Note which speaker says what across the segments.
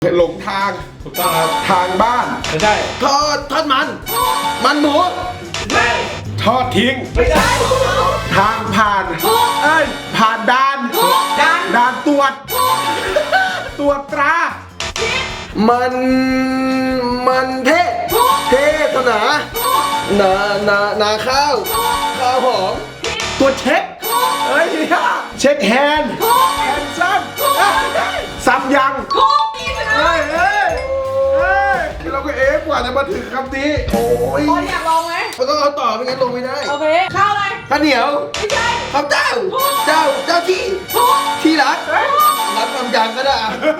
Speaker 1: หลงทาง
Speaker 2: ถูกต้องครับ
Speaker 1: ทางบ้าน
Speaker 2: ไม่ใช่
Speaker 1: ทอดมันหมู
Speaker 2: ไม่ใช่
Speaker 1: ทอดทิ้ง
Speaker 2: ไม่ใช่
Speaker 1: ทางผ่านเอ้ยผ่านด่านด่านตรวจตรวจตรา มันเทศนาข้าวหอมตัวเช็คเอ้ยเช็คแฮนด์ซ้ำยังเอ้ยเราก็กว่าจะมาถึงคำนี้โอ้ย
Speaker 3: บอลอยากลองไหม
Speaker 1: มันต้องเอาต่อไม่งั้นลงไม่ได้
Speaker 3: โอเค ข้าวอะไร
Speaker 1: ข้าวเหนียว
Speaker 3: ไม่ใช่
Speaker 1: ข้าวเจ้าที่รักคำยังก็ได้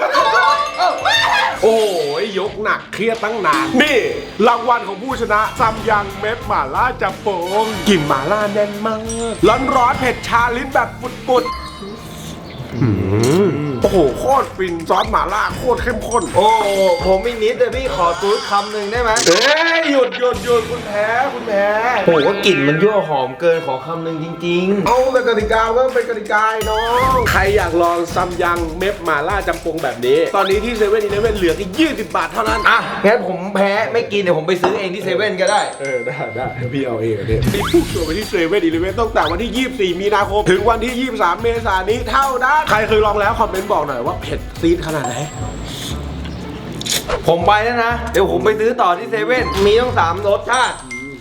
Speaker 1: โอ้ยยกหนักเครียดตั้งนานนี่รางวัลของผู้ชนะซัมยังเม็ดหม่าล่าจับโป่งกลิ่นหม่าล่าแน่นมากร้อนเผ็ดชาลิ้นแบบปุดโอ้โหโคตรฟินซอสหม่าล่าโคตรเข้มข้น
Speaker 4: โอ้ผมอีกนิดเลยพี่ขอตูดคำหนึ่งได้ไหม
Speaker 1: เอ้ยหยุดคุณแพ้
Speaker 4: โอ้ว่ากลิ่นมันยั่วหอมเกินขอคำหนึ่งจริง
Speaker 1: เอาแต่กติกาก็เป็นกติกาน้องใครอยากลองซัมยังเม็ดหม่าล่าจำปงแบบนี้ ตอนนี้ที่เซเว่นอีเลฟเว่นเหลือแค่20 บาทเท่านั้น
Speaker 4: ๆอ่ะงั้นผมแพ้ไม่กินเดี๋ยวผมไปซื้อเองที่เซเว่นก็ได้
Speaker 1: ได้เดี๋ยวพี่เอาเองเนี่ยมีผู้ชมไปที่เซเว่นอีเลฟเว่นตั้งแต่วันที่ 24 มีนาคมถึงวันที่ 23 เมษายนนี้เท่านั้นใครเคยลองแล้วคอมเมนต์บอกหน่อยว่าเผ็ดซีดขนาดไหน
Speaker 4: ผมไปแล้วนะ เดี๋ยวผมไปซื้อต่อที่เซเว่นมีต้อง3รสชาติ